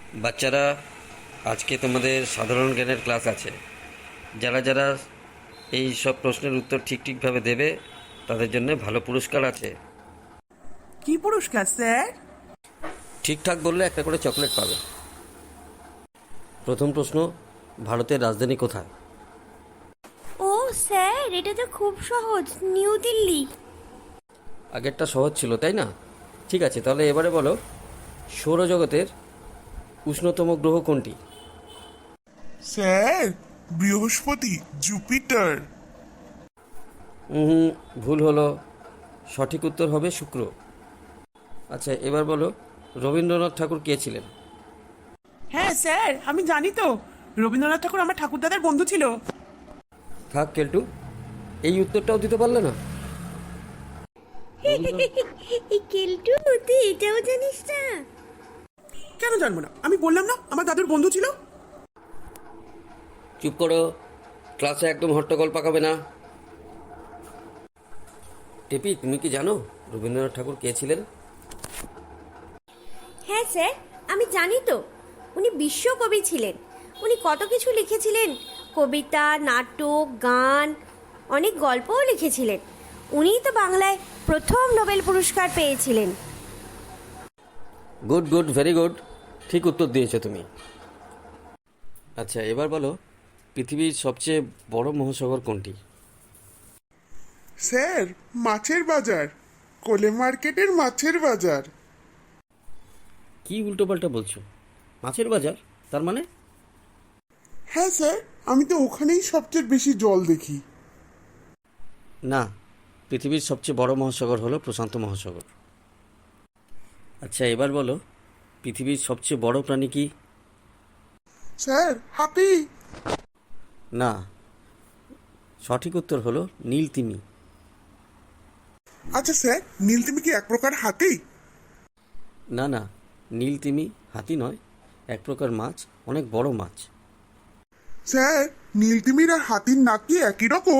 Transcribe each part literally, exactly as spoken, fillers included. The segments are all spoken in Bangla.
বাচ্চারা, আজকে তোমাদের সাধারণ জ্ঞানের ক্লাস আছে। যারা যারা এই সব প্রশ্নের উত্তর ঠিক ঠিকভাবে দেবে তাদের জন্য ভালো পুরস্কার আছে। কি পুরস্কার স্যার? ঠিকঠাক বললে একটা করে চকলেট পাবে। প্রথম প্রশ্ন, ভারতের রাজধানী কোথায়? ও স্যার, এটা তো খুব সহজ, নিউ দিল্লি। আগেরটা সহজ ছিল তাই না? ঠিক আছে, তাহলে এবারে বলো, সৌরজগতের উষ্ণতম গ্রহ কোনটি? স্যার, বৃহস্পতি, জুপিটার। হুম, ভুল হলো। সঠিক উত্তর হবে শুক্র। আচ্ছা, এবার বলো, রবীন্দ্রনাথ ঠাকুর কে ছিলেন? হ্যাঁ স্যার, আমি জানি তো। রবীন্দ্রনাথ ঠাকুর আমার ঠাকুরদাদার বন্ধু ছিল। থাক কেলটু, এই উত্তরটাও দিতে পারলে না। এই কেলটু, তুই এটাও জানিস না? কেন জানবো না? আমি বললাম না আমার দাদুর বন্ধু ছিল। চুপ করো, ক্লাসে একদম হট্টগোল পাকাবে না। টেপি, তুমি কি জানো রবীন্দ্রনাথ ঠাকুর কে ছিলেন? হ্যাঁ স্যার, আমি জানি তো। উনি বিশ্বকবি ছিলেন। উনি কত কিছু লিখেছিলেন, কবিতা, নাটক, গান, অনেক গল্পও লিখেছিলেন। উনিই তো বাংলায় প্রথম নোবেল পুরস্কার পেয়েছিলেন। গুড গুড, ভেরি গুড, ঠিক উত্তর দিয়েছো তুমি। আচ্ছা, এবার বলো, পৃথিবীর সবচেয়ে বড় মহাসাগর কোনটি? স্যার, মাছের বাজার, কোলে মার্কেটের মাছের বাজার। কি উল্টোপাল্টা বলছো? মাছের বাজার তার মানে? হ্যাঁ স্যার, আমি তো ওখানেই সবচেয়ে বেশি জল দেখি। না, পৃথিবীর সবচেয়ে বড় মহাসাগর হলো প্রশান্ত মহাসাগর। আচ্ছা, এবার বলো, পৃথিবীর সবচেয়ে বড় প্রাণী কি? স্যার, হাতি। না, সঠিক উত্তর হলো নীলতিমি। আচ্ছা স্যার, নীলতিমি কি এক প্রকার হাতি? না না, নীলতিমি হাতি নয়, এক প্রকার মাছ, অনেক বড় মাছ। স্যার, নীলতিমির আর হাতির নাক কি একই রকম?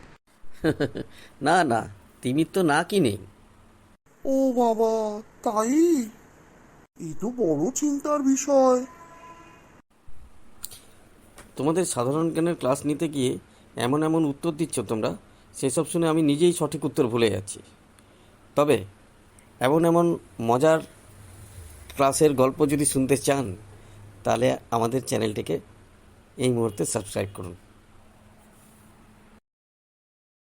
না না, তিমির তো না কি নেই। ও বাবা, তাই? এই তো বড় চিন্তার বিষয়। তোমাদের সাধারণ জ্ঞানের ক্লাস নিতে গিয়ে এমন এমন উত্তর দিচ্ছ তোমরা, সেসব শুনে আমি নিজেই সঠিক উত্তর ভুলে যাচ্ছি। তবে এমন এমন মজার ক্লাসের গল্প যদি শুনতে চান, তাহলে আমাদের চ্যানেলটিকে এই মুহূর্তে সাবস্ক্রাইব করুন।